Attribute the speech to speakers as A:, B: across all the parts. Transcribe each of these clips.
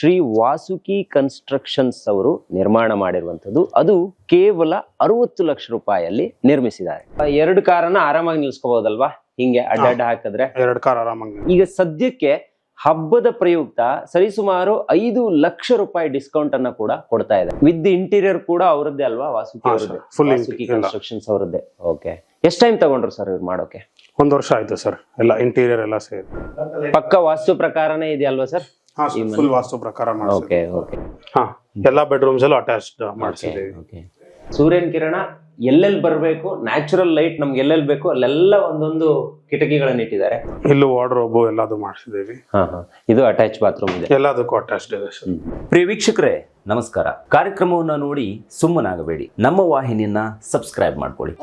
A: Shri Vasuki constructions ಅವರು ನಿರ್ಮಾಣ ಮಾಡಿರುವಂತದ್ದು. ಅದು ಕೇವಲ 60 ಲಕ್ಷ ರೂಪಾಯಿಯಲ್ಲಿ ನಿರ್ಮಿಸಿದ್ದಾರೆ. 2 ಕಾರನ್ನ ಆರಾಮಾಗಿ ನಿಲ್ಸ್ಕೋಬಹುದಲ್ವಾ? ಹಿಂಗೆ ಅಡ್ಡ ಹಾಕಿದ್ರೆ
B: 2 ಕಾರ್ ಆರಾಮಾಗಿ.
A: ಈಗ ಸದ್ಯಕ್ಕೆ ಹಬ್ಬದ ಪ್ರಯುಕ್ತ ಸರಿಸುಮಾರು 5 ಲಕ್ಷ ರೂಪಾಯಿ ಡಿಸ್ಕೌಂಟ್ ಅನ್ನ ಕೂಡ ಕೊಡ್ತಾ ಇದೆ. ವಿತ್ ಇಂಟೀರಿಯರ್ ಕೂಡ ಅವರದ್ದೇ ಅಲ್ವಾ? ವಾಸುಕಿ ಕನ್ಸ್ಟ್ರಕ್ಷನ್ಸ್ ಅವರದ್ದೇ. ಓಕೆ, ಎಷ್ಟು ಟೈಮ್ ತಗೊಂಡ್ರು ಸರ್ ಇವ್ರು ಮಾಡೋಕೆ?
B: 1 ವರ್ಷ ಆಯ್ತು ಸರ್. ಎಲ್ಲ ಇಂಟೀರಿಯರ್ ಎಲ್ಲ ಸೇರಿ
A: ಪಕ್ಕ ವಾಸ್ತು ಪ್ರಕಾರನೇ ಇದೆಯಲ್ವಾ ಸರ್?
B: ಫುಲ್ ವಾಸ್ತು ಪ್ರಕಾರ
A: ಓಕೆ ಓಕೆ.
B: ಎಲ್ಲಾ ಬೆಡ್ರೂಮ್ಸ್ ಎಲ್ಲ ಅಟ್ಯಾಚ್ಡ್ ಮಾಡಿಸಿದ್ದೀವಿ.
A: ಸೂರ್ಯನ ಕಿರಣ ಎಲ್ಲೆಲ್ಲಿ ಬರಬೇಕು, ನ್ಯಾಚುರಲ್ ಲೈಟ್ ನಮ್ಗೆ ಎಲ್ಲೆಲ್ಲಿ ಬೇಕು ಅಲ್ಲೆಲ್ಲ ಒಂದೊಂದು ಕಿಟಕಿಗಳನ್ನ ಇಟ್ಟಿದ್ದಾರೆ.
B: ಇಲ್ಲೂ ವಾರ್ಡ್ರೋಬ್ ಎಲ್ಲದು ಮಾಡಿಸಿದ್ದೀವಿ.
A: ಇದು ಅಟ್ಯಾಚ್ ಬಾತ್ರೂಮ್ ಇದೆ,
B: ಎಲ್ಲದಕ್ಕೂ ಅಟ್ಯಾಚ್ಡ್ ಇದೆ ಸರ್.
C: ಪ್ರಿಯ ವೀಕ್ಷಕರೇ ನಮಸ್ಕಾರ. ಕಾರ್ಯಕ್ರಮವನ್ನು ನೋಡಿ ಸುಮ್ಮನಾಗಬೇಡಿ, ನಮ್ಮ ವಾಹಿನಿಯನ್ನ ಸಬ್ಸ್ಕ್ರೈಬ್ ಮಾಡ್ಕೊಳ್ಳಿ.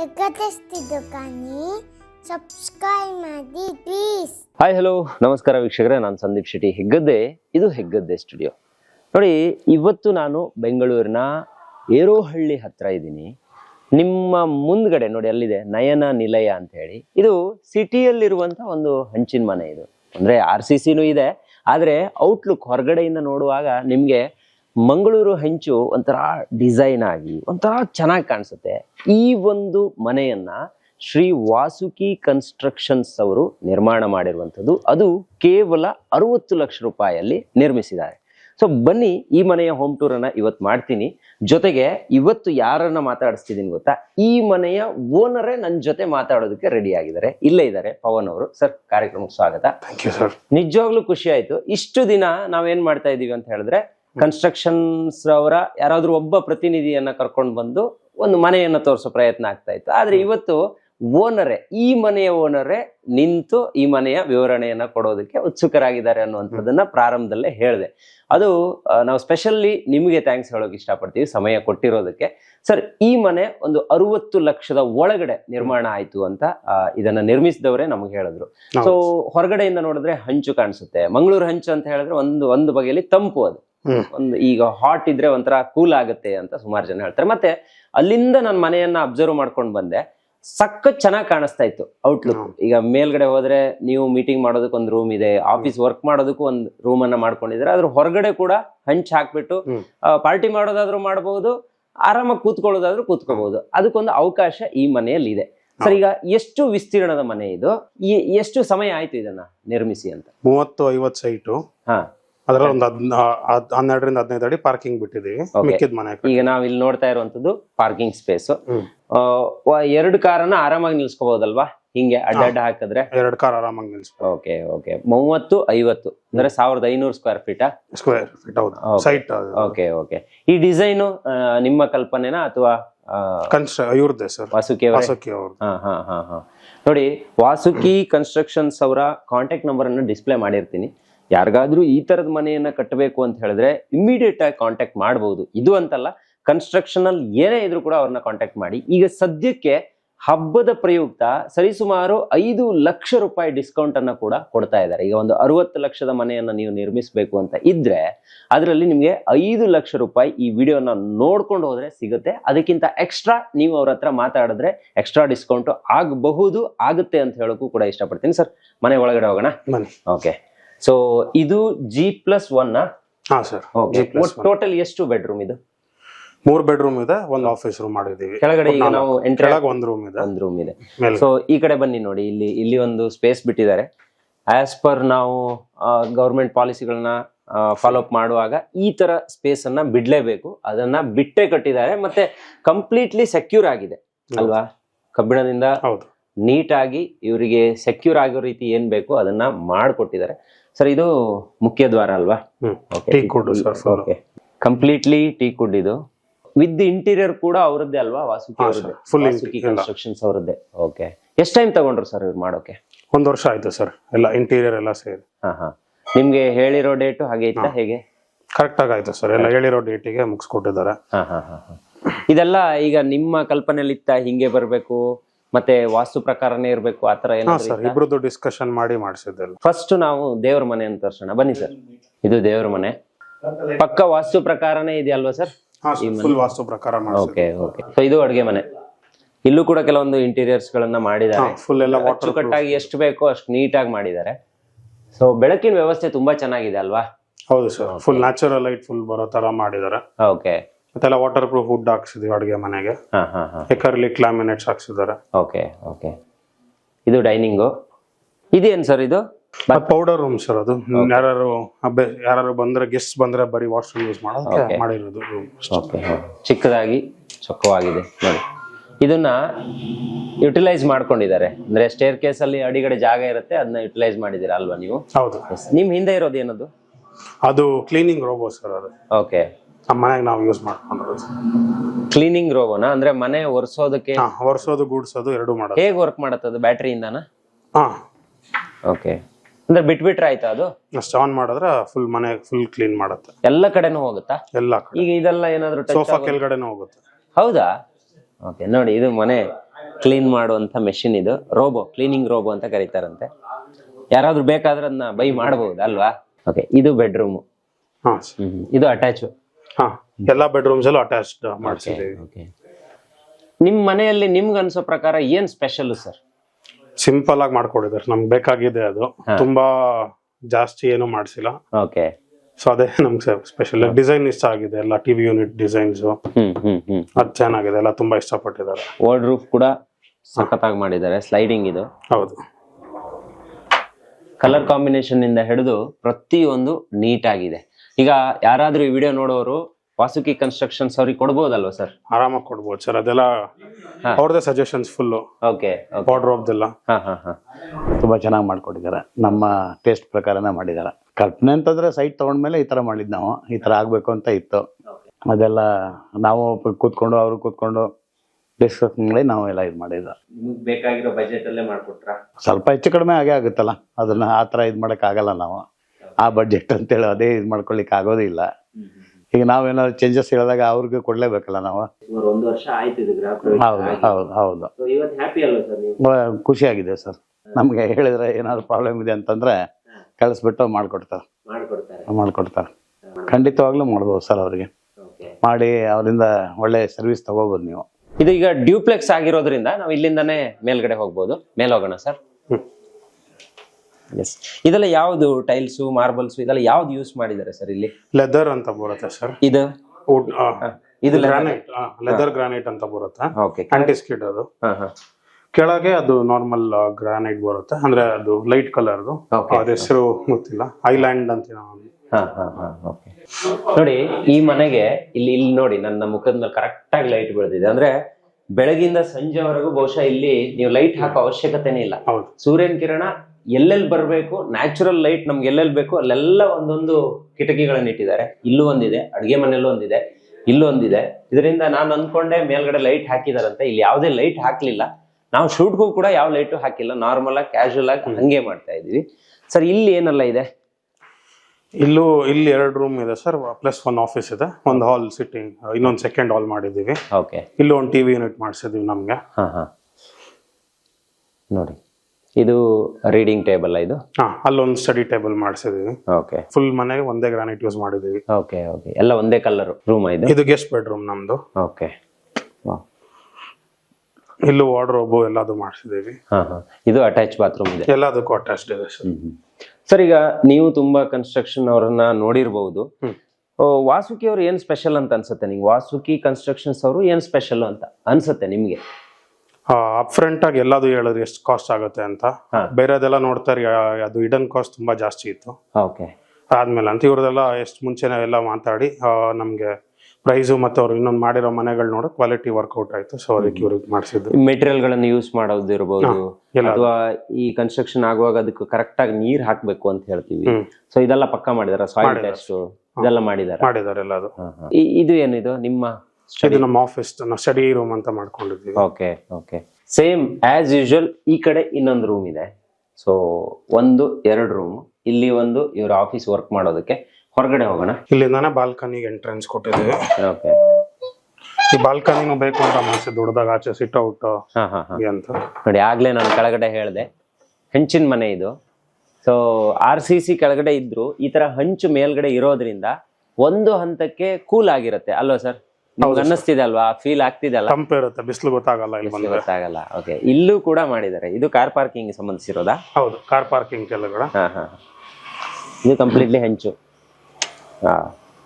A: ಹಾಯ್ ಹಲೋ ನಮಸ್ಕಾರ ವೀಕ್ಷಕರೇ, ನಾನು ಸಂದೀಪ್ ಶೆಟ್ಟಿ, ಹೆಗ್ಗದ್ದೆ. ಇದು ಹೆಗ್ಗದ್ದೆ ಸ್ಟುಡಿಯೋ. ನೋಡಿ, ಇವತ್ತು ನಾನು ಬೆಂಗಳೂರಿನ ಏರೋಹಳ್ಳಿ ಹತ್ರ ಇದ್ದೀನಿ. ನಿಮ್ಮ ಮುಂದ್ಗಡೆ ನೋಡಿ ಅಲ್ಲಿದೆ ನಯನ ನಿಲಯ ಅಂತ ಹೇಳಿ. ಇದು ಸಿಟಿಯಲ್ಲಿರುವಂತ ಒಂದು ಹಂಚಿನ ಮನೆ. ಇದು ಅಂದ್ರೆ RCCನೂ ಇದೆ, ಆದ್ರೆ ಔಟ್ಲುಕ್ ಹೊರಗಡೆಯಿಂದ ನೋಡುವಾಗ ನಿಮ್ಗೆ ಮಂಗಳೂರು ಹಂಚು ಒಂಥರ ಡಿಸೈನ್ ಆಗಿ ಒಂಥರ ಚೆನ್ನಾಗಿ ಕಾಣಿಸುತ್ತೆ. ಈ ಒಂದು ಮನೆಯನ್ನ ಶ್ರೀ ವಾಸುಕಿ ಕನ್ಸ್ಟ್ರಕ್ಷನ್ಸ್ ಅವರು ನಿರ್ಮಾಣ ಮಾಡಿರುವಂಥದ್ದು. ಅದು ಕೇವಲ 60 ಲಕ್ಷ ರೂಪಾಯಿಯಲ್ಲಿ ನಿರ್ಮಿಸಿದ್ದಾರೆ. ಸೊ ಬನ್ನಿ, ಈ ಮನೆಯ ಹೋಮ್ ಟೂರ್ ಅನ್ನ ಇವತ್ತು ಮಾಡ್ತೀನಿ. ಜೊತೆಗೆ ಇವತ್ತು ಯಾರನ್ನ ಮಾತಾಡಿಸ್ತಿದ್ದೀನಿ ಗೊತ್ತಾ? ಈ ಮನೆಯ ಓನರೇ ನನ್ನ ಜೊತೆ ಮಾತಾಡೋದಕ್ಕೆ ರೆಡಿ ಆಗಿದ್ದಾರೆ. ಇಲ್ಲೇ ಇದ್ದಾರೆ ಪವನ್ ಅವರು. ಸರ್, ಕಾರ್ಯಕ್ರಮಕ್ಕೆ ಸ್ವಾಗತ. ನಿಜವಾಗ್ಲೂ ಖುಷಿ ಆಯ್ತು. ಇಷ್ಟು ದಿನ ನಾವೇನ್ ಮಾಡ್ತಾ ಇದೀವಿ ಅಂತ ಹೇಳಿದ್ರೆ, ಕನ್ಸ್ಟ್ರಕ್ಷನ್ಸ್ ಅವರ ಯಾರಾದ್ರೂ ಒಬ್ಬ ಪ್ರತಿನಿಧಿಯನ್ನ ಕರ್ಕೊಂಡು ಬಂದು ಒಂದು ಮನೆಯನ್ನ ತೋರಿಸೋ ಪ್ರಯತ್ನ ಆಗ್ತಾ ಇತ್ತು. ಆದ್ರೆ ಇವತ್ತು ಓನರೇ, ಈ ಮನೆಯ ಓನರೇ ನಿಂತು ಈ ಮನೆಯ ವಿವರಣೆಯನ್ನ ಕೊಡೋದಕ್ಕೆ ಉತ್ಸುಕರಾಗಿದ್ದಾರೆ ಅನ್ನುವಂಥದ್ದನ್ನ ಪ್ರಾರಂಭದಲ್ಲೇ ಹೇಳಿದೆ. ಅದು ನಾವು ಸ್ಪೆಷಲಿ ನಿಮಗೆ ಥ್ಯಾಂಕ್ಸ್ ಹೇಳೋಕೆ ಇಷ್ಟಪಡ್ತೀವಿ, ಸಮಯ ಕೊಟ್ಟಿರೋದಕ್ಕೆ. ಸರ್, ಈ ಮನೆ ಒಂದು 60 ಲಕ್ಷದ ಒಳಗಡೆ ನಿರ್ಮಾಣ ಆಯ್ತು ಅಂತ ಇದನ್ನ ನಿರ್ಮಿಸಿದವರೇ ನಮ್ಗೆ ಹೇಳಿದ್ರು. ಸೊ ಹೊರಗಡೆಯಿಂದ ನೋಡಿದ್ರೆ ಹಂಚು ಕಾಣಿಸುತ್ತೆ. ಮಂಗಳೂರು ಹಂಚು ಅಂತ ಹೇಳಿದ್ರೆ ಒಂದು ಬಗೆಯಲ್ಲಿ ತಂಪು. ಅದು ಒಂದು ಈಗ ಹಾಟ್ ಇದ್ರೆ ಒಂಥರ ಕೂಲ್ ಆಗುತ್ತೆ ಅಂತ ಸುಮಾರು ಜನ ಹೇಳ್ತಾರೆ. ಮತ್ತೆ ಅಲ್ಲಿಂದ ನಾನು ಮನೆಯನ್ನ ಅಬ್ಸರ್ವ್ ಮಾಡ್ಕೊಂಡು ಬಂದೆ. ಸಖತ್ ಚೆನ್ನಾಗಿ ಕಾಣಿಸ್ತಾ ಇತ್ತು ಔಟ್ಲುಕ್. ಈಗ ಮೇಲ್ಗಡೆ ಹೋದ್ರೆ ನೀವು ಮೀಟಿಂಗ್ ಮಾಡೋದಕ್ಕೆ ಒಂದು ರೂಮ್ ಇದೆ, ಆಫೀಸ್ ವರ್ಕ್ ಮಾಡೋದಕ್ಕೂ ಒಂದು ರೂಮ್ ಅನ್ನ ಮಾಡ್ಕೊಂಡಿದ್ರೆ, ಅದ್ರ ಹೊರಗಡೆ ಕೂಡ ಹಂಚ್ ಹಾಕ್ಬಿಟ್ಟು ಪಾರ್ಟಿ ಮಾಡೋದಾದ್ರೂ ಮಾಡಬಹುದು, ಆರಾಮಾಗಿ ಕೂತ್ಕೊಳ್ಳೋದಾದ್ರೂ ಕೂತ್ಕೋಬಹುದು. ಅದಕ್ಕೊಂದು ಅವಕಾಶ ಈ ಮನೆಯಲ್ಲಿ ಇದೆ. ಸರ್, ಈಗ ಎಷ್ಟು ವಿಸ್ತೀರ್ಣದ ಮನೆ ಇದು? ಎಷ್ಟು ಸಮಯ ಆಯ್ತು ಇದನ್ನ ನಿರ್ಮಿಸಿ ಅಂತ?
B: 30-50 ಸೈಟು. ಅದ್ರಲ್ಲಿ ಒಂದು 12ರಿಂದ 15 ಅಡಿ ಪಾರ್ಕಿಂಗ್ ಬಿಟ್ಟಿದೀವಿ. ಮಿಕ್ಕಿದ ಮನೆ
A: ಈಗ ನಾವ್ ಇಲ್ಲಿ ನೋಡ್ತಾ ಇರುವಂತದ್ದು ಪಾರ್ಕಿಂಗ್ ಸ್ಪೇಸ್. 2 ಕಾರನ್ನ ಆರಾಮಾಗಿ ನಿಲ್ಸ್ಕೋಬಹುದಲ್ವಾ? ಹಿಂಗೆ ಅಡ್ಡ ಹಾಕಿದ್ರೆ
B: 2 ಕಾರ್ ಆರಾಮಾಗಿ ನಿಲ್ಸ್ಬೋದು.
A: Okay okay. 30-50 ಅಂದ್ರೆ 1500 square feet.
B: Site.
A: Okay okay. ಈ ಡಿಸೈನ್ ನಿಮ್ಮ ಕಲ್ಪನೆನಾ ಅಥವಾ
B: ಇವ್ರದ್ದೇ ಸರ್?
A: ವಾಸುಕಿ ಅವರು. ನೋಡಿ, ವಾಸುಕಿ ಕನ್ಸ್ಟ್ರಕ್ಷನ್ಸ್ ಅವರ ಕಾಂಟ್ಯಾಕ್ಟ್ ನಂಬರ್ ಅನ್ನು ಡಿಸ್ಪ್ಲೇ ಮಾಡಿರ್ತೀನಿ. ಯಾರಿಗಾದ್ರೂ ಈ ತರದ ಮನೆಯನ್ನ ಕಟ್ಟಬೇಕು ಅಂತ ಹೇಳಿದ್ರೆ ಇಮಿಡಿಯೇಟ್ ಆಗಿ ಕಾಂಟ್ಯಾಕ್ಟ್ ಮಾಡಬಹುದು. ಇದು ಅಂತಲ್ಲ, ಕನ್ಸ್ಟ್ರಕ್ಷನ್ ಅಲ್ಲಿ ಏನೇ ಇದ್ರು ಕೂಡ ಅವ್ರನ್ನ ಕಾಂಟ್ಯಾಕ್ಟ್ ಮಾಡಿ. ಈಗ ಸದ್ಯಕ್ಕೆ ಹಬ್ಬದ ಪ್ರಯುಕ್ತ ಸರಿಸುಮಾರು 5 ಲಕ್ಷ ರೂಪಾಯಿ ಡಿಸ್ಕೌಂಟ್ ಅನ್ನ ಕೂಡ ಕೊಡ್ತಾ ಇದ್ದಾರೆ. ಈಗ ಒಂದು 60 ಲಕ್ಷದ ಮನೆಯನ್ನ ನೀವು ನಿರ್ಮಿಸಬೇಕು ಅಂತ ಇದ್ರೆ ಅದರಲ್ಲಿ ನಿಮ್ಗೆ 5 ಲಕ್ಷ ರೂಪಾಯಿ ಈ ವಿಡಿಯೋನ ನೋಡ್ಕೊಂಡು ಹೋದ್ರೆ ಸಿಗುತ್ತೆ. ಅದಕ್ಕಿಂತ ಎಕ್ಸ್ಟ್ರಾ ನೀವು ಅವ್ರ ಹತ್ರ ಮಾತಾಡಿದ್ರೆ ಎಕ್ಸ್ಟ್ರಾ ಡಿಸ್ಕೌಂಟ್ ಆಗುತ್ತೆ ಅಂತ ಹೇಳೋಕ್ಕೂ ಕೂಡ ಇಷ್ಟಪಡ್ತೀನಿ. ಸರ್, ಮನೆ ಒಳಗಡೆ ಹೋಗೋಣ. ಓಕೆ. ಸೊ ಇದು G+1? ಟೋಟಲ್ ಎಷ್ಟು ಬೆಡ್ರೂಮ್ ಇದು?
B: 3 ಬೆಡ್ರೂಮ್ ಇದೆ, 1 ಆಫೀಸ್ ರೂಮ್ ಮಾಡಿದೀವಿ.
A: ಕೆಳಗಡೆ ಈಗ ನಾವು
B: ಒಂದು ರೂಮ್ ಇದೆ.
A: ಸೊ ಈ ಕಡೆ ಬನ್ನಿ ನೋಡಿ, ಇಲ್ಲಿ ಒಂದು ಸ್ಪೇಸ್ ಬಿಟ್ಟಿದ್ದಾರೆ. ಆಸ್ ಪರ್ ನಾವು ಗವರ್ಮೆಂಟ್ ಪಾಲಿಸಿಗಳನ್ನ ಫಾಲೋ ಅಪ್ ಮಾಡುವಾಗ ಈ ತರ ಸ್ಪೇಸ್ ಅನ್ನ ಬಿಡ್ಲೇಬೇಕು. ಅದನ್ನ ಬಿಟ್ಟೆ ಕಟ್ಟಿದ್ದಾರೆ. ಮತ್ತೆ ಕಂಪ್ಲೀಟ್ಲಿ ಸೆಕ್ಯೂರ್ ಆಗಿದೆ ಅಲ್ವಾ? ಕಬ್ಬಿಣದಿಂದ ನೀಟಾಗಿ ಇವರಿಗೆ ಸೆಕ್ಯೂರ್ ಆಗೋ ರೀತಿ ಏನ್ ಬೇಕು ಅದನ್ನ ಮಾಡ್ಕೊಟ್ಟಿದ್ದಾರೆ. ಸರ್, ಇದು ಮುಖ್ಯ ದ್ವಾರ ಅಲ್ವಾ? Completely teak wood. ಇದು ವಿತ್ ಇಂಟೀರಿಯರ್ ಕೂಡ ಅವರದ್ದೇ ಅಲ್ವಾ? ವಾಸುಕಿ ಕನ್ಸ್ಟ್ರಕ್ಷನ್ಸ್ ಅವರದ್ದೇ. ಓಕೆ. ಎಷ್ಟು ಟೈಮ್ ತಗೊಂಡ್ರು ಸರ್ ಇವ್ರು ಮಾಡೋಕೆ?
B: 1 ವರ್ಷ ಆಯ್ತು ಸರ್. ಎಲ್ಲ ಇಂಟೀರಿಯರ್ ಎಲ್ಲ ಸೇರಿ.
A: ನಿಮ್ಗೆ ಹೇಳಿರೋ ಡೇಟು ಹಾಗೆ ಇತ್ತಾ? ಹೇಗೆ?
B: ಕರೆಕ್ಟ್ ಆಗಾಯ್ತು ಸರ್. ಎಲ್ಲ ಹೇಳಿರೋ ಡೇಟಿಗೆ ಮುಗಿಸ್ಕೊಟ್ಟಿದ್ದಾರೆ.
A: ಇದೆಲ್ಲ ಈಗ ನಿಮ್ಮ ಕಲ್ಪನೆಯಲ್ಲಿ ಇತ್ತ ಹಿಂಗೆ ಬರ್ಬೇಕು ಮತ್ತೆ ವಾಸ್ತು ಪ್ರಕಾರನೇ ಇರ್ಬೇಕು ಆತರ
B: ಏನಾದ್ರು? ಇಬ್ರದ್ದು ಡಿಸ್ಕಷನ್ ಮಾಡಿ ಮಾಡಿಸಿದ್ದೆಲ್ಲ.
A: ಫಸ್ಟ್ ನಾವು ದೇವ್ರ ಮನೆ ಅಂತ ತೋರ್ಸೋಣ ಬನ್ನಿ ಸರ್. ಇದು ದೇವ್ರ ಮನೆ. ಪಕ್ಕ ವಾಸ್ತು ಪ್ರಕಾರನೇ ಇದೆಯಲ್ವಾ ಸರ್?
B: ಫುಲ್ ವಾಸ್ತು ಪ್ರಕಾರ.
A: Okay okay. ಸೊ ಇದು ಅಡುಗೆ ಮನೆ. ಇಲ್ಲೂ ಕೂಡ ಕೆಲವೊಂದು ಇಂಟೀರಿಯರ್ಸ್ ಗಳನ್ನ ಮಾಡಿದ್ದಾರೆ.
B: ಫುಲ್ ಎಲ್ಲ
A: ಅಚ್ಚುಕಟ್ಟಾಗಿ ಎಷ್ಟು ಬೇಕೋ ಅಷ್ಟು ನೀಟಾಗಿ ಮಾಡಿದ್ದಾರೆ. ಸೊ ಬೆಳಕಿನ ವ್ಯವಸ್ಥೆ ತುಂಬಾ ಚೆನ್ನಾಗಿದೆ ಅಲ್ವಾ?
B: ಹೌದು sir, full natural light full ಬರೋ ತರ ಮಾಡಿದ್ದಾರೆ.
A: ಓಕೆ.
B: ಮತ್ತೆಲ್ಲ ವಾಟರ್ ಪ್ರೂಫ್ ವುಡ್ ಹಾಕ್ಸಿದೀವಿ ಅಡುಗೆ ಮನೆಗೆ. ಎಕರ್ಲಿಕ್ ಲ್ಯಾಮಿನೇಟ್ಸ್ ಹಾಕ್ಸಿದ್ದಾರೆ.
A: Okay okay. ಇದು ಡೈನಿಂಗು. ಇದೇನು ಸರ್ ಇದು?
B: Powder room sir. ಅದು ಯಾರು ಬಂದ್ರೆ ಗೆಸ್ಟ್ ಬಂದ್ರೆ ಬರೀ ವಾಶ್ರೂಮ್ ಯೂಸ್ ಮಾಡೋದಕ್ಕೆ ಮಾಡಿರೋದು room.
A: ಓಕೆ. ಚಿಕ್ಕದಾಗಿ ಚೊಕ್ಕವಾಗಿದೆ ನೋಡಿ. ಇದನ್ನ ಯುಟಿಲೈಸ್ ಮಾಡ್ಕೊಂಡಿದ್ದಾರೆ. ಅಂದ್ರೆ ಸ್ಟೇರ್ ಕೇಸ್ ಅಲ್ಲಿ ಅಡಿಗಡೆ ಜಾಗ ಇರುತ್ತೆ, ಅದನ್ನ ಯುಟಿಲೈಸ್ ಮಾಡಿದ್ದೀರಾ ಅಲ್ವಾ ನೀವು?
B: ಹೌದು.
A: ನಿಮ್ ಹಿಂದೆ ಇರೋದು ಏನದು?
B: ಅದು ಕ್ಲೀನಿಂಗ್ ರೋಬೋ ಸರ್. ಅದು
A: ಓಕೆ.
B: ನಮ್ಮ ಮನೆಗೆ ನಾವು ಯೂಸ್ ಮಾಡ್ಕೊಂಡಿರೋದು.
A: ಕ್ಲೀನಿಂಗ್ ರೋಬೋನಾ? ಅಂದ್ರೆ ಮನೆ ಒರೆಸೋದಕ್ಕೆ?
B: ಒರೆಸೋದು ಗೂಡ್ಸೋದು ಎರಡು ಮಾಡೋದು.
A: ಹೇಗೆ ವರ್ಕ್ ಮಾಡತ್ತದು? ಬ್ಯಾಟ್ರಿಯಿಂದಾನ?
B: ಹಾ.
A: ಓಕೆ. ಅಂದ್ರೆ ಬಿಟ್ಬಿಟ್ರೆ ಆಯ್ತಾ ಅದು?
B: ಅಷ್ಟು ಆನ್ ಮಾಡಿದ್ರೆ ಫುಲ್ ಮನೆ ಫುಲ್ ಕ್ಲೀನ್ ಮಾಡುತ್ತೆ.
A: ಎಲ್ಲ ಕಡೆನೂ ಹೋಗುತ್ತಾ?
B: ಎಲ್ಲ ಕಡೆ.
A: ಈಗ ಇದೆಲ್ಲ ಏನಾದ್ರು
B: ಸೋಫಾ ಕೆಳಗಡೆನೂ ಹೋಗುತ್ತೆ.
A: ಹೌದಾ? ಓಕೆ. ನೋಡಿ, ಇದು ಮನೆ ಕ್ಲೀನ್ ಮಾಡುವಂತ ಮೆಷಿನ್. ಇದು ರೋಬೋ, ಕ್ಲೀನಿಂಗ್ ರೋಬೋ ಅಂತ ಕರೀತಾರಂತೆ. ಯಾರಾದ್ರೂ ಬೇಕಾದ್ರೆ ಅದನ್ನ ಬೈ ಮಾಡಬಹುದು ಅಲ್ವಾ? ಓಕೆ. ಇದು ಬೆಡ್ರೂಮ್.
B: ಹಾ.
A: ಇದು ಅಟ್ಯಾಚ್.
B: ಹಾ, ಎಲ್ಲಾ ಬೆಡ್ರೂಮ್ಸ್ ಅಲ್ಲೂ ಅಟ್ಯಾಚ್ಡ್ ಮಾಡಿಸಿದ್ದೀವಿ.
A: ಓಕೆ. ನಿಮ್ ಮನೆಯಲ್ಲಿ ನಿಮ್ಗೆ ಅನ್ಸೋ ಪ್ರಕಾರ ಏನ್ ಸ್ಪೆಷಲ್ ಸರ್?
B: ಸಿಂಪಲ್ ಆಗಿ ಮಾಡ್ಕೊಡಿದ್ದಾರೆ. ನಮ್ಗೆ ಬೇಕಾಗಿದೆ ಅದು. ತುಂಬಾ ಜಾಸ್ತಿ ಏನು ಮಾಡಿಸಿಲ್ಲ.
A: ಓಕೆ.
B: ಸೊ ಅದೇ ನಮ್ಗೆ ಸ್ಪೆಷಲ್. ಡಿಸೈನ್ ಇಷ್ಟ ಆಗಿದೆ. ಎಲ್ಲ ಟಿವಿ ಯೂನಿಟ್ ಡಿಸೈನ್ಸ್ ಅದು ಚೆನ್ನಾಗಿದೆ. ಎಲ್ಲ ತುಂಬಾ ಇಷ್ಟಪಟ್ಟಿದ್ದಾರೆ.
A: ವಾರ್ಡ್ ರೂಫ್ ಕೂಡ ಸಖತ್ತಾಗಿ ಮಾಡಿದ್ದಾರೆ. ಸ್ಲೈಡಿಂಗ್ ಇದು.
B: ಹೌದು.
A: ಕಲರ್ ಕಾಂಬಿನೇಷನ್ ಇಂದ ಹಿಡಿದು ಪ್ರತಿಯೊಂದು ನೀಟ್ ಆಗಿದೆ. ಈಗ ಯಾರಾದ್ರೂ ಈ ವಿಡಿಯೋ ನೋಡೋರು ವಾಸುಕಿ ಕನ್ಸ್ಟ್ರಕ್ಷನ್ಸ್ ಅವ್ರಿಗೆ ಕೊಡ್ಬೋದಲ್ವಾ ಸರ್?
B: ಆರಾಮಾಗಿ ಕೊಡ್ಬೋದು ಸರ್. ಅದೆಲ್ಲ ಅವ್ರದೇ ಸಜೆಷನ್ಸ್ ಫುಲ್.
A: ಓಕೆ.
B: ವಾರ್ಡ್ರೋಬ್ದೆಲ್ಲ
D: ತುಂಬಾ ಚೆನ್ನಾಗಿ ಮಾಡ್ಕೊಟ್ಟಿದ್ದಾರೆ. ನಮ್ಮ ಟೇಸ್ಟ್ ಪ್ರಕಾರನೇ ಮಾಡಿದ್ದಾರೆ. ಕಲ್ಪನೆ ಅಂತಂದ್ರೆ ಸೈಟ್ ತಗೊಂಡ್ಮೇಲೆ ಈ ತರ ಮಾಡಿದ್ ನಾವು. ಈ ತರ ಆಗ್ಬೇಕು ಅಂತ ಇತ್ತು. ಅದೆಲ್ಲ ನಾವು ಕೂತ್ಕೊಂಡು ಅವ್ರು ಕೂತ್ಕೊಂಡು ಡಿಸ್ಕಸ್ ಮಾಡಿ ನಾವೆಲ್ಲ ಇದು ಮಾಡಿದ್ವಿ.
A: ನಿಮಗೆ ಬೇಕಾಗಿರೋ ಬಜೆಟ್ ಅಲ್ಲೇ ಮಾಡ್ಕೊಟ್ರಾ?
D: ಸ್ವಲ್ಪ ಹೆಚ್ಚು ಕಡಿಮೆ ಆಗೇ ಆಗುತ್ತಲ್ಲ. ಅದನ್ನ ಆ ತರ ಇದು ಮಾಡಕ್ ಆಗಲ್ಲ ನಾವು. ಆ ಬಡ್ಜೆಟ್ ಅಂತೇಳಿ ಅದೇ ಇದು ಮಾಡ್ಕೊಳ್ಲಿಕ್ಕೆ ಆಗೋದಿಲ್ಲ. ಈಗ ನಾವೇನಾದ್ರು ಚೇಂಜಸ್ ಹೇಳಿದಾಗ ಅವ್ರಿಗೆ ಕೊಡ್ಲೇಬೇಕಲ್ಲ ನಾವು.
A: 1 ವರ್ಷ ಆಯ್ತು ಇದು ಗೃಹ ಪ್ರವೇಶ.
D: ಹೌದು ಹೌದು ಹೌದು.
A: ಇವತ್ತು ಹ್ಯಾಪಿ ಅಲ್ವಾ ಸರ್ ನೀವು?
D: ಖುಷಿಯಾಗಿದೆ ಸರ್. ನಮ್ಗೆ ಹೇಳಿದ್ರೆ ಏನಾದ್ರು ಪ್ರಾಬ್ಲಮ್ ಇದೆ ಅಂತಂದ್ರೆ ಕಳಿಸ್ಬಿಟ್ಟು ಮಾಡ್ಕೊಡ್ತಾರೆ. ಖಂಡಿತವಾಗ್ಲೂ ಮಾಡ್ಬೋದು ಸರ್. ಅವ್ರಿಗೆ ಮಾಡಿ ಅವರಿಂದ ಒಳ್ಳೆ ಸರ್ವಿಸ್ ತಗೋಬಹುದು ನೀವು.
A: ಇದು ಈಗ ಡ್ಯೂಪ್ಲೆಕ್ಸ್ ಆಗಿರೋದ್ರಿಂದ ನಾವು ಇಲ್ಲಿಂದಾನೇ ಮೇಲ್ಗಡೆ ಹೋಗ್ಬೋದು. ಮೇಲ್ ಹೋಗೋಣ ಸರ್. ಎಸ್. ಇದೆಲ್ಲ ಯಾವ್ದು ಟೈಲ್ಸ್, ಮಾರ್ಬಲ್ಸ್ ಇದೆಲ್ಲ ಯಾವ್ದು ಯೂಸ್ ಮಾಡಿದ್ದಾರೆ ಸರ್ ಇಲ್ಲಿ?
B: ಲೆದರ್ ಅಂತ ಬರುತ್ತೆ ಸರ್.
A: ಇದು
B: ಗ್ರಾನೈಟ್, ಲೆದರ್ ಗ್ರಾನೈಟ್ ಅಂತ ಬರುತ್ತೆ.
A: ಓಕೆ.
B: ಆಂಟಿ ಸ್ಕಿಡ್ ಅದು. ಕೆಳಗೆ ಅದು ನಾರ್ಮಲ್ ಗ್ರಾನೈಟ್ ಬರುತ್ತೆ. ಅಂದ್ರೆ ಅದು ಲೈಟ್ ಕಲರ್ದು. ಅದ ಹೆಸರು ಗೊತ್ತಿಲ್ಲ. ಐಲ್ಯಾಂಡ್ ಅಂತ.
A: ಓಕೆ. ನೋಡಿ, ಈ ಮನೆಗೆ ಇಲ್ಲಿ ನೋಡಿ ನನ್ನ ಮುಖದ ಮೇಲೆ ಕರೆಕ್ಟ್ ಆಗಿ ಲೈಟ್ ಬೀಳ್ತಿದೆ. ಅಂದ್ರೆ ಬೆಳಗಿಂದ ಸಂಜೆವರೆಗೂ ಬಹುಶಃ ಇಲ್ಲಿ ನೀವು ಲೈಟ್ ಹಾಕೋ ಅವಶ್ಯಕತೆನೇ ಇಲ್ಲ. ಸೂರ್ಯನ ಕಿರಣ ಎಲ್ಲೆಲ್ಲಿ ಬರಬೇಕು, ನ್ಯಾಚುರಲ್ ಲೈಟ್ ನಮ್ಗೆ ಎಲ್ಲೆಲ್ಲಿ ಬೇಕು ಅಲ್ಲೆಲ್ಲ ಒಂದೊಂದು ಕಿಟಕಿಗಳನ್ನ ಇಟ್ಟಿದ್ದಾರೆ. ಇಲ್ಲೂ ಒಂದಿದೆ, ಅಡುಗೆ ಮನೆಯಲ್ಲೂ ಒಂದಿದೆ, ಇಲ್ಲೂ ಒಂದಿದೆ. ಇದರಿಂದ ನಾನು ಅಂದ್ಕೊಂಡೆ ಮೇಲ್ಗಡೆ ಲೈಟ್ ಹಾಕಿದಾರಂತೆ. ಇಲ್ಲಿ ಯಾವುದೇ ಲೈಟ್ ಹಾಕ್ಲಿಲ್ಲ. ನಾವು ಶೂಟ್ಗೂ ಕೂಡ ಯಾವ ಲೈಟು ಹಾಕಿಲ್ಲ. ನಾರ್ಮಲ್ ಆಗಿ ಕ್ಯಾಶುವಲ್ ಆಗಿ ಹಂಗೆ ಮಾಡ್ತಾ ಇದೀವಿ ಸರ್. ಇಲ್ಲಿ ಏನೆಲ್ಲ ಇದೆ?
B: ಇಲ್ಲಿ 2 ರೂಮ್ ಇದೆ ಸರ್, ಪ್ಲಸ್ 1 ಆಫೀಸ್ ಇದೆ, 1 ಹಾಲ್ ಸಿಟ್ಟಿಂಗ್, ಇನ್ನೊಂದು ಸೆಕೆಂಡ್ ಹಾಲ್ ಮಾಡಿದೀವಿ.
A: ಓಕೆ.
B: ಇಲ್ಲಿ 1 ಟಿವಿ ಯೂನಿಟ್ ಮಾಡಿಸಿದೀವಿ ನಮ್ಗೆ.
A: ನೋಡಿ, ಇದು ರೀಡಿಂಗ್ ಟೇಬಲ್. ಇದು
B: ಅಲ್ಲೊಂದು ಸ್ಟಡಿ ಟೇಬಲ್ ಮಾಡಿಸಿದೀವಿ.
A: ಓಕೆ.
B: ಫುಲ್ ಮನೆಗೆ ಒಂದೇ ಗ್ರಾನೈಟ್ ಯೂಸ್ ಮಾಡಿದೀವಿ.
A: Okay okay. ಎಲ್ಲ ಒಂದೇ ಕಲರ್ ರೂಮ್. ಇದು
B: ಗೆಸ್ಟ್ ಬೆಡ್ರೂಮ್ ನಮ್ದು.
A: ಓಕೆ.
B: ಇಲ್ಲೂ ವಾರ್ಡ್ರೋಬು ಎಲ್ಲದು ಮಾಡಿಸಿದೀವಿ.
A: ಇದು ಅಟ್ಯಾಚ್ ಬಾತ್ರೂಮ್ ಇದೆ.
B: ಎಲ್ಲದಕ್ಕೂ ಅಟ್ಯಾಚ್ಡ್ ಇದೆ ಸರ್.
A: ಸರ್, ಈಗ ನೀವು ತುಂಬಾ ಕನ್ಸ್ಟ್ರಕ್ಷನ್ ಅವರನ್ನ ನೋಡಿರ್ಬಹುದು. ವಾಸುಕಿ ಅವ್ರು ಏನ್ ಸ್ಪೆಷಲ್ ಅಂತ ಅನ್ಸುತ್ತೆ ನಿಮ್ಗೆ? ವಾಸುಕಿ ಕನ್ಸ್ಟ್ರಕ್ಷನ್ಸ್ ಅವರು ಏನ್ ಸ್ಪೆಷಲ್ ಅಂತ ಅನ್ಸುತ್ತೆ ನಿಮ್ಗೆ?
B: ಅಪ್ ಫ್ರಂಟ್ ಆಗಿ ಎಲ್ಲದು ಹೇಳಿದ್ರೆ ಎಷ್ಟು ಕಾಸ್ಟ್ ಆಗುತ್ತೆ ಅಂತ. ಬೇರೆದೆಲ್ಲ ನೋಡ್ತಾರೆ, ಅದು ಹಿಡನ್ ಕಾಸ್ಟ್ ತುಂಬಾ ಜಾಸ್ತಿ ಇತ್ತು.
A: ಓಕೆ.
B: ಆದ್ಮೇಲೆ ಅಂತ ಇವ್ರದೆಲ್ಲ ಎಷ್ಟು ಮುಂಚೆನೆ ಎಲ್ಲ ಮಾತಾಡಿ ನಮ್ಗೆ ಪ್ರೈಸು ಮತ್ತೆ ಅವ್ರು ಇನ್ನೊಂದು ಮಾಡಿರೋ ಮನೆಗಳು ನೋಡೋ ಕ್ವಾಲಿಟಿ ವರ್ಕೌಟ್ ಆಯ್ತು. ಸೊ ಅದಕ್ಕೆ ಇವ್ರಿಗೆ ಮಾಡಿಸಿದ್ದು.
A: ಮೆಟೀರಿಯಲ್ ಗಳನ್ನ ಯೂಸ್ ಮಾಡೋದಿರ್ಬೋದು, ಅಥವಾ ಈ ಕನ್ಸ್ಟ್ರಕ್ಷನ್ ಆಗುವಾಗ ಅದಕ್ಕೆ ಕರೆಕ್ಟ್ ಆಗಿ ನೀರ್ ಹಾಕ್ಬೇಕು ಅಂತ ಹೇಳ್ತೀವಿ. ಸೊ ಇದೆಲ್ಲ ಪಕ್ಕ ಮಾಡಿದಾರ? ಸಾಯಿಲ್ ಟೆಸ್ಟ್ ಇದೆಲ್ಲ ಮಾಡಿದ್ದಾರೆ
B: ಎಲ್ಲದು.
A: ಇದು ಏನಿದು ನಿಮ್ಮ?
B: ಇದು ನಮ್ಮ ಆಫೀಸ್, ಸ್ಟಡಿ ರೂಮ್ ಅಂತ ಮಾಡ್ಕೊಂಡಿದ್ವಿ.
A: Okay okay. Same as usual ಈ ಕಡೆ ಇನ್ನೊಂದು ರೂಮ್ ಇದೆ. So 1-2 room. ಇಲ್ಲಿ ಒಂದು ಇವ್ರ ಆಫೀಸ್ ವರ್ಕ್ ಮಾಡೋದಕ್ಕೆ. ಹೊರಗಡೆ ಹೋಗೋಣ.
B: ಇಲ್ಲಿಂದಾನೆ ಬಾಲ್ಕನಿಗೆ ಎಂಟ್ರೆನ್ಸ್ ಕೊಟ್ಟಿದ್ದೀವಿ.
A: ಓಕೆ.
B: ಈ ಬಾಲ್ಕನಿನೂ ಬೇಕು ಅಂತ ಮನಸ್ಸು ದೊಡ್ಡದಾಗ ಆಚೆ ಸಿಟ್ ಔಟ್ ಅಂತ.
A: ನೋಡಿ, ಆಗ್ಲೇ ನಾನು ಕೆಳಗಡೆ ಹೇಳಿದೆ, ಹಂಚಿನ ಮನೆ ಇದು. ಸೊ RCC ಕೆಳಗಡೆ ಇದ್ರು ಈ ತರ ಹಂಚು ಮೇಲ್ಗಡೆ ಇರೋದ್ರಿಂದ ಒಂದು ಹಂತಕ್ಕೆ ಕೂಲ್ ಆಗಿರುತ್ತೆ ಅಲ್ವಾ ಸರ್? ನಿಮ್ಗೆ ಅನ್ನಿಸ್ತಿದೆ ಅಲ್ವಾ? ಫೀಲ್ ಆಗ್ತಿದೆ ಅಲ್ಲ?
B: ತಂಪು ಇರುತ್ತೆ, ಬಿಸಿಲು ಗೊತ್ತಾಗಲ್ಲ. ಇಲ್ಲಿ
A: ಗೊತ್ತಾಗಲ್ಲ. ಓಕೆ. ಇಲ್ಲೂ ಕೂಡ ಮಾಡಿದ್ದಾರೆ. ಇದು ಕಾರ್ ಪಾರ್ಕಿಂಗ್ ಸಂಬಂಧಿಸಿರೋದಾ?
B: ಹೌದು, ಕಾರ್ ಪಾರ್ಕಿಂಗ್ ಕೆಳಗಡೆ.
A: ಇದು ಕಂಪ್ಲೀಟ್ಲಿ ಹಂಚು. ಹಾಂ,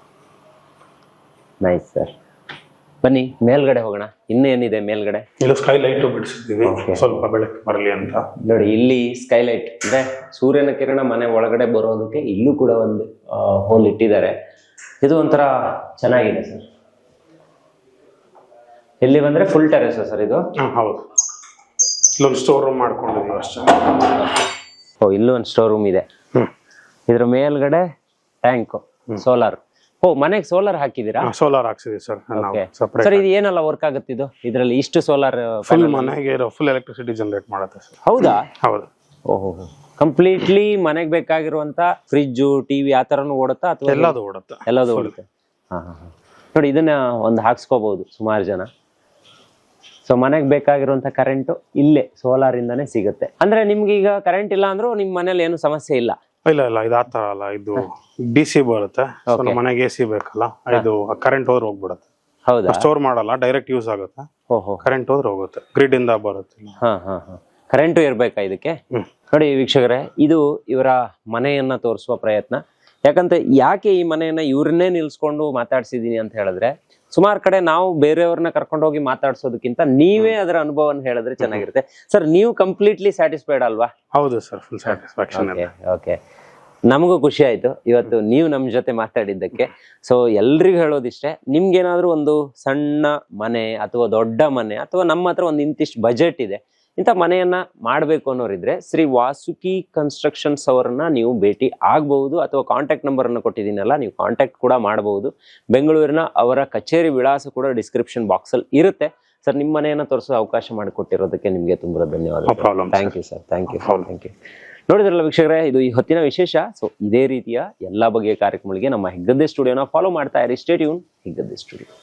A: ನೈಸ್ ಸರ್. ಬನ್ನಿ ಮೇಲ್ಗಡೆ ಹೋಗೋಣ. ಇನ್ನೇನಿದೆ ಮೇಲ್ಗಡೆ?
B: ಇಲ್ಲಿ ಸ್ಕೈ ಲೈಟ್ ಬಿಡಿಸಿದ್ದೀವಿ, ಸ್ವಲ್ಪ ಬೆಳಕು ಬರಲಿ ಅಂತ.
A: ನೋಡಿ, ಇಲ್ಲಿ ಸ್ಕೈಲೈಟ್ ಅಂದ್ರೆ ಸೂರ್ಯನ ಕಿರಣ ಮನೆ ಒಳಗಡೆ ಬರೋದಕ್ಕೆ ಇಲ್ಲೂ ಕೂಡ ಒಂದು ಹೋಲ್ ಇಟ್ಟಿದ್ದಾರೆ. ಇದು ಒಂಥರ ಚೆನ್ನಾಗಿದೆ ಸರ್. ಇಲ್ಲಿ ಬಂದ್ರೆ ಫುಲ್ ಟೆರೆಸ್ ಸರ್ ಇದು?
B: ಹೌದು, ಇಲ್ಲೊಂದು ಸ್ಟೋರ್ ರೂಮ್ ಮಾಡ್ಕೊಂಡಿದ್ದೀವಿ ಅಷ್ಟೇ.
A: ಓ, ಇಲ್ಲೂ ಒಂದು ಸ್ಟೋರ್ ರೂಮ್ ಇದೆ. ಇದ್ರ ಮೇಲ್ಗಡೆ ಟ್ಯಾಂಕ್, ಸೋಲಾರ್. ಓ, ಮನೆಗೆ ಸೋಲಾರ್ ಹಾಕಿದೀರಾ?
B: ಸೋಲಾರ್ ಹಾಕ್ಸಿದೀವಿ ಸರ್. ಸಪರೇಟ್
A: ಸರ್ ಇದು ಏನೆಲ್ಲ ವರ್ಕ್ ಆಗುತ್ತೆ ಇದು? ಇದರಲ್ಲಿ ಇಷ್ಟು ಸೋಲಾರ್
B: ಫುಲ್ ಮನೆಗೆ ಫುಲ್ ಎಲೆಕ್ಟ್ರಿಸಿಟಿ ಜನರೇಟ್ ಮಾಡುತ್ತೆ ಸರ್.
A: ಹೌದಾ?
B: ಹೌದು.
A: ಓಹೋ, ಕಂಪ್ಲೀಟ್ಲಿ ಮನೆಗೆ ಬೇಕಾಗಿರುವಂತ ಫ್ರಿಜ್ಜು, ಟಿವಿ ಆ ತರನು ಓಡುತ್ತಾ ಅಥವಾ
B: ಎಲ್ಲದು ಓಡುತ್ತೆ?
A: ಎಲ್ಲದು ಓಡುತ್ತೆ. ಹಾ ಹಾ ಹಾ. ನೋಡಿ, ಇದನ್ನ ಒಂದು ಹಾಕ್ಸ್ಕೋಬಹುದು ಸುಮಾರು ಜನ. ಸೊ ಮನೆಗೆ ಬೇಕಾಗಿರುವಂತ ಕರೆಂಟ್ ಇಲ್ಲೇ ಸೋಲಾರ್ ಇಂದಾನೆ ಸಿಗುತ್ತೆ. ಅಂದ್ರೆ ನಿಮ್ಗೆ ಈಗ ಕರೆಂಟ್ ಇಲ್ಲ ಅಂದ್ರೂ ನಿಮ್ ಮನೇಲಿ ಏನು ಸಮಸ್ಯೆ ಇಲ್ಲ?
B: ಇಲ್ಲ ಇದು ಆ ತರ ಅಲ್ಲ, ಇದು DC ಬರುತ್ತೆ. ನಮ್ಮ ಮನೆಗೆ AC ಬೇಕಲ್ಲ, ಇದು ಕರೆಂಟ್ ಹೋದ್ರೆ ಹೋಗ್ಬಿಡುತ್ತೆ.
A: ಹೌದಾ?
B: ಸ್ಟೋರ್ ಮಾಡಲ್ಲ, ಡೈರೆಕ್ಟ್ ಯೂಸ್ ಆಗುತ್ತೆ.
A: ಓಹೋ,
B: ಕರೆಂಟ್ ಹೋದ್ರೆ ಹೋಗುತ್ತೆ, ಗ್ರಿಡ್ ಇಂದ ಬರುತ್ತೆ.
A: ಹಾ ಹಾ ಹಾ. ಕರೆಂಟು ಇರ್ಬೇಕಾ ಇದಕ್ಕೆ? ನೋಡಿ ವೀಕ್ಷಕರೇ, ಇದು ಇವರ ಮನೆಯನ್ನ ತೋರಿಸುವ ಪ್ರಯತ್ನ. ಯಾಕೆ ಈ ಮನೆಯನ್ನ ಇವ್ರನ್ನೇ ನಿಲ್ಸ್ಕೊಂಡು ಮಾತಾಡ್ಸಿದೀನಿ ಅಂತ ಹೇಳಿದ್ರೆ, ಸುಮಾರು ಕಡೆ ನಾವು ಬೇರೆಯವ್ರನ್ನ ಕರ್ಕೊಂಡು ಹೋಗಿ ಮಾತಾಡ್ಸೋದಕ್ಕಿಂತ ನೀವೇ ಅದರ ಅನುಭವನ ಹೇಳಿದ್ರೆ ಚೆನ್ನಾಗಿರುತ್ತೆ. ಸರ್, ನೀವು ಕಂಪ್ಲೀಟ್ಲಿ ಸ್ಯಾಟಿಸ್ಫೈಡ್ ಅಲ್ವಾ?
B: ಹೌದು ಸರ್, ಫುಲ್ ಸ್ಯಾಟಿಸ್ಫ್ಯಾಕ್ಷನ್.
A: ಓಕೆ, ನಮಗೂ ಖುಷಿ ಆಯ್ತು ಇವತ್ತು ನೀವು ನಮ್ಮ ಜೊತೆ ಮಾತಾಡಿದ್ದಕ್ಕೆ. ಸೊ ಎಲ್ರಿಗೂ ಹೇಳೋದಿಷ್ಟೇ, ನಿಮ್ಗೇನಾದ್ರೂ ಒಂದು ಸಣ್ಣ ಮನೆ ಅಥವಾ ದೊಡ್ಡ ಮನೆ ಅಥವಾ ನಮ್ಮ ಹತ್ರ ಒಂದು ಇಂತಿಷ್ಟು ಬಜೆಟ್ ಇದೆ, ಇಂಥ ಮನೆಯನ್ನ ಮಾಡಬೇಕು ಅನ್ನೋರಿದ್ರೆ ಶ್ರೀ ವಾಸುಕಿ ಕನ್ಸ್ಟ್ರಕ್ಷನ್ಸ್ ಅವರನ್ನ ನೀವು ಭೇಟಿ ಆಗಬಹುದು. ಅಥವಾ ಕಾಂಟ್ಯಾಕ್ಟ್ ನಂಬರ್ ಅನ್ನು ಕೊಟ್ಟಿದ್ದೀನಲ್ಲ, ನೀವು ಕಾಂಟ್ಯಾಕ್ಟ್ ಕೂಡ ಮಾಡಬಹುದು. ಬೆಂಗಳೂರಿನ ಅವರ ಕಚೇರಿ ವಿಳಾಸ ಕೂಡ ಡಿಸ್ಕ್ರಿಪ್ಷನ್ ಬಾಕ್ಸ್ ಅಲ್ಲಿ ಇರುತ್ತೆ. ಸರ್, ನಿಮ್ಮ ಮನೆಯನ್ನ ತೋರಿಸೋ ಅವಕಾಶ ಮಾಡಿಕೊಟ್ಟಿರೋದಕ್ಕೆ ನಿಮಗೆ ತುಂಬಾ ಧನ್ಯವಾದ. Thank you sir, thank you. ನೋಡಿದ್ರಲ್ಲ ವೀಕ್ಷಕರೇ, ಇದು ಈ ಹೊತ್ತಿನ ವಿಶೇಷ. ಸೊ ಇದೇ ರೀತಿಯ ಎಲ್ಲಾ ಬಗೆಯ ಕಾರ್ಯಕ್ರಮಗಳಿಗೆ ನಮ್ಮ ಹೆಗ್ಗದ್ದೆ ಸ್ಟುಡಿಯೋನ ಫಾಲೋ ಮಾಡ್ತಾ ಇರಿ. Stay tune, Heggadde studio.